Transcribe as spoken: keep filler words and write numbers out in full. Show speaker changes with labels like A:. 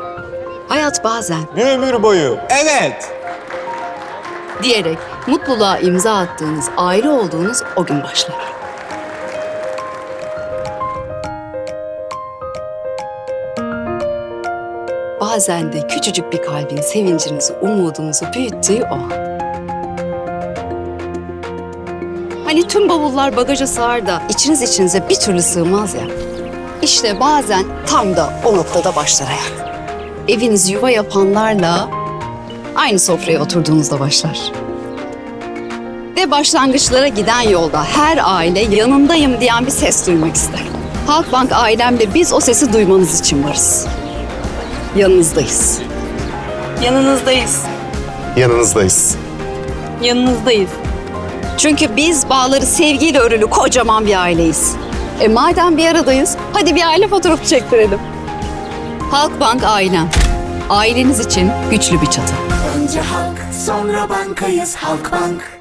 A: Hayat bazen
B: Bir ömür boyu.
C: Evet.
A: diyerek mutluluğa imza attığınız, aile olduğunuz o gün başlar. Bazen de küçücük bir kalbin sevincinizi, umudunuzu büyüttüğü o an. Hani tüm bavullar bagaja sığar da içiniz içinize bir türlü sığmaz ya. İşte bazen tam da o noktada başlar hayat. Eviniz yuva yapanlarla aynı sofraya oturduğunuzda başlar. Ve başlangıçlara giden yolda her aile yanındayım diyen bir ses duymak ister. Halkbank ailemle biz o sesi duymanız için varız. Yanınızdayız.
D: Yanınızdayız.
B: Yanınızdayız.
D: Yanınızdayız.
A: Çünkü biz bağları sevgiyle örülü kocaman bir aileyiz. E madem bir aradayız, hadi bir aile fotoğrafı çektirelim. Halkbank ailem. Aileniz için güçlü bir çatı.
E: Önce halk, sonra bankayız Halkbank.